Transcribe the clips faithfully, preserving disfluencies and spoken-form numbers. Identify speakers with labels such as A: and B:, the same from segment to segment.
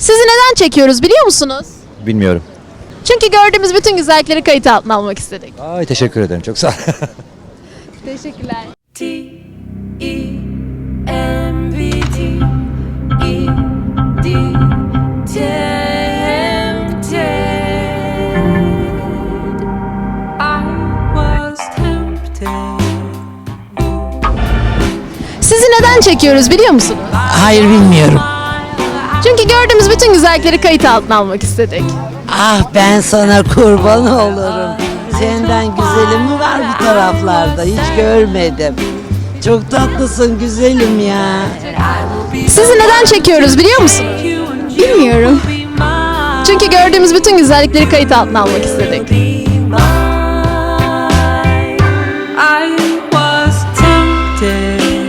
A: Sizi neden çekiyoruz biliyor musunuz?
B: Bilmiyorum.
A: Çünkü gördüğümüz bütün güzellikleri kayıt altına almak istedik.
B: Ay teşekkür ederim. Çok sağ ol.
A: Teşekkürler.
C: T E M V D E D Tempted. I was tempted.
A: Sizi neden çekiyoruz biliyor musunuz?
D: Hayır bilmiyorum.
A: Çünkü gördüğümüz bütün güzellikleri kayıt altına almak istedik.
D: Ah ben sana kurban olurum. Senden güzelim mi var bu taraflarda? Hiç görmedim. Çok tatlısın güzelim ya.
A: Sizi neden çekiyoruz biliyor musunuz? Bilmiyorum. Çünkü gördüğümüz bütün güzellikleri kayıt altına almak istedik.
C: I was tempted.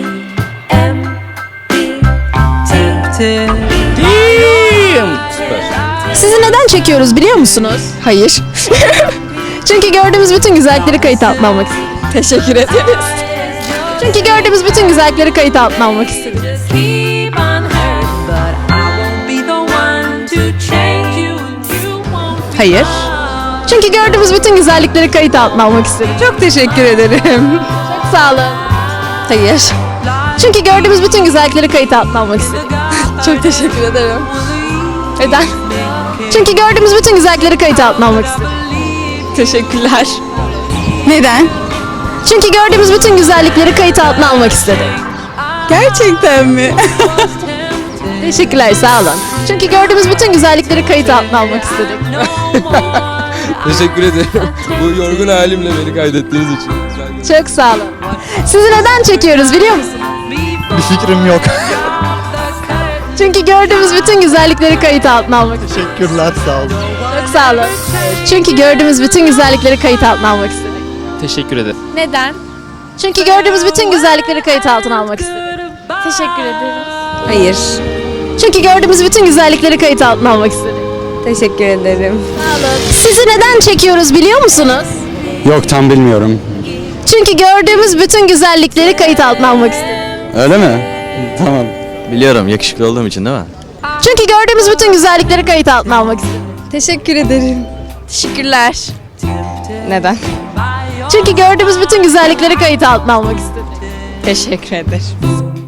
C: Tempted.
A: Sizi neden çekiyoruz biliyor musunuz? Hayır. Çünkü gördüğümüz bütün güzellikleri kayıt altına almak istedik. Teşekkür ederiz. Çünkü gördüğümüz bütün güzellikleri kayıt altına almak istedik.
C: Just keep on hurt, but I won't be the one to change you. You won't be
A: Hayır. Çünkü gördüğümüz bütün güzellikleri kayıt altına almak istedik. Çok teşekkür ederim. Çok sağ olun. Hayır. Çünkü gördüğümüz bütün güzellikleri kayıt altına almak istedik. Çok teşekkür ederim. Neden? Çünkü gördüğümüz bütün güzellikleri kayıt altına almak istedik. Teşekkürler. Neden? Çünkü gördüğümüz bütün güzellikleri kayıt altına almak istedik. Gerçekten mi? Teşekkürler, sağ olun. Çünkü gördüğümüz bütün güzellikleri kayıt altına almak istedik.
E: Teşekkür ederim. Bu yorgun halimle beni kaydettiğiniz için.
A: Çok sağ olun. Sizi neden çekiyoruz biliyor musunuz?
B: Bir fikrim yok.
A: Çünkü gördüğümüz bütün güzellikleri kayıt altına almak istedik.
B: Teşekkürler sağ olun.
A: Çok sağ olun. Çünkü gördüğümüz bütün güzellikleri kayıt altına almak istedik.
F: Teşekkür ederim.
A: Neden? Çünkü gördüğümüz bütün güzellikleri kayıt altına almak istedik. Teşekkür ederim.
G: Hayır.
A: Çünkü gördüğümüz bütün güzellikleri kayıt altına almak istedik.
G: Teşekkür ederim.
A: Sizi neden çekiyoruz biliyor musunuz?
H: Yok tam bilmiyorum.
A: Çünkü gördüğümüz bütün güzellikleri kayıt altına almak istedik.
H: Öyle mi? Tamam.
B: Biliyorum yakışıklı olduğum için değil mi?
A: Çünkü gördüğümüz bütün güzellikleri kayıt altına almak istedik.
G: Teşekkür ederim. Teşekkürler. Neden?
A: Çünkü gördüğümüz bütün güzellikleri kayıt altına almak istedik.
G: Teşekkür ederim.